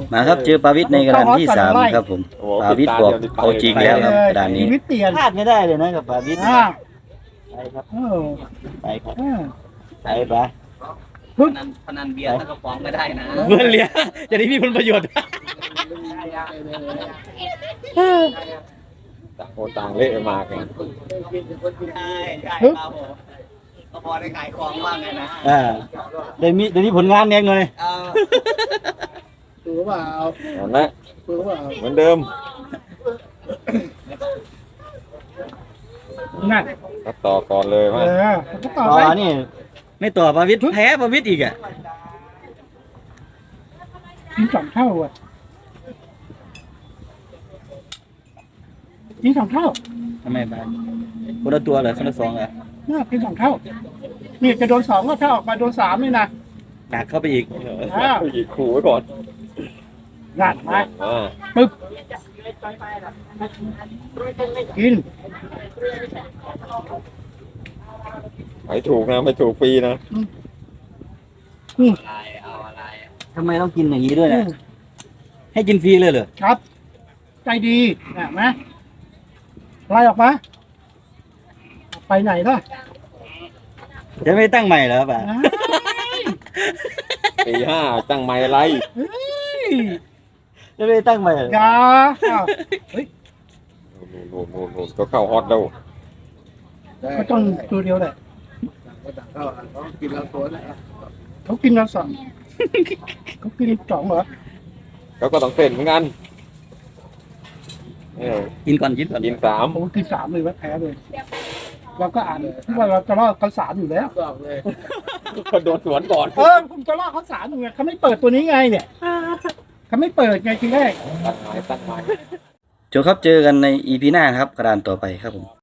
มาครับเจอปาวิทย์ในกระดานที่3ครับผมปาวิทย์บอกเอาจริงแล้วครับกระดานนี้ชีวิตเปลี่ยนพลาดไม่ได้เลยนะกับปาวิทย์อ่าไปครับเออไปครับอ่าไปพนันเบียร์ทั้งกระป๋องไม่ได้นะเพื่อนเลี้ยจะได้มีผลประโยชน์ต่างคนต่างเละมากันใช่ครับผมก็พอได้ขายของบ้างไงนะได้มีผลงานแน่เลยเอาถูกเปล่านั่นแหละถูกเปล่าเหมือนเดิมนั่นก็ต่อก่อนเลยเอมาอก็ต่อต่ไปอนี่ไม่ต่อปาวิทย์แพ้ปาวิทย์อีกอ่ะกิน2 เท่าอ่ะกิน2 เท่าทำไมไปคนละตัวเหรอคนละ2เหรอน่ากิน2 เท่านี่จะโดน2ก็ถ้าออกมาโดน3นี่นะจากเข้าไปอีกผู้หญิงขู่ไว้ก่อนนั่นมาอ่าปึ๊บกินไม่ถูกนะไม่ถูกฟรีนะอะไรเอาอะไรทำไมต้องกินอย่างนี้ด้วยเนี่ยให้กินฟรีเลยเหรอครับ ใจดีนะมาไล่ออกมาไปไหนล่ะจะไม่ตั้งใหม่เหรอป่ะปีห้าตั้งไม้ไรเฮ้ยจะไม่ตั้งใหม่เหรออย่าอ้าวเฮ้ยนู่นก็เข้าฮอตแล้วก็ต้องตัวเดียวแหละเขากินเราสองเขากิน2เหรอแล้วก็ต้องเต้นเหมือนกันกินก่อนกินก่อนกิน3 ผมกิน3เลยว่าแพ้เลยเราก็อ่านว่าเราจะรอดเขา3อยู่แล้วก็โดนสวนก่อนผมจะรอดเขา3อยู่ไงเขาไม่เปิดตัวนี้ไงเนี่ยเขาไม่เปิดไงทีแรกตั้งไม้จบครับเจอกันใน EP หน้าครับกระดานต่อไปครับผม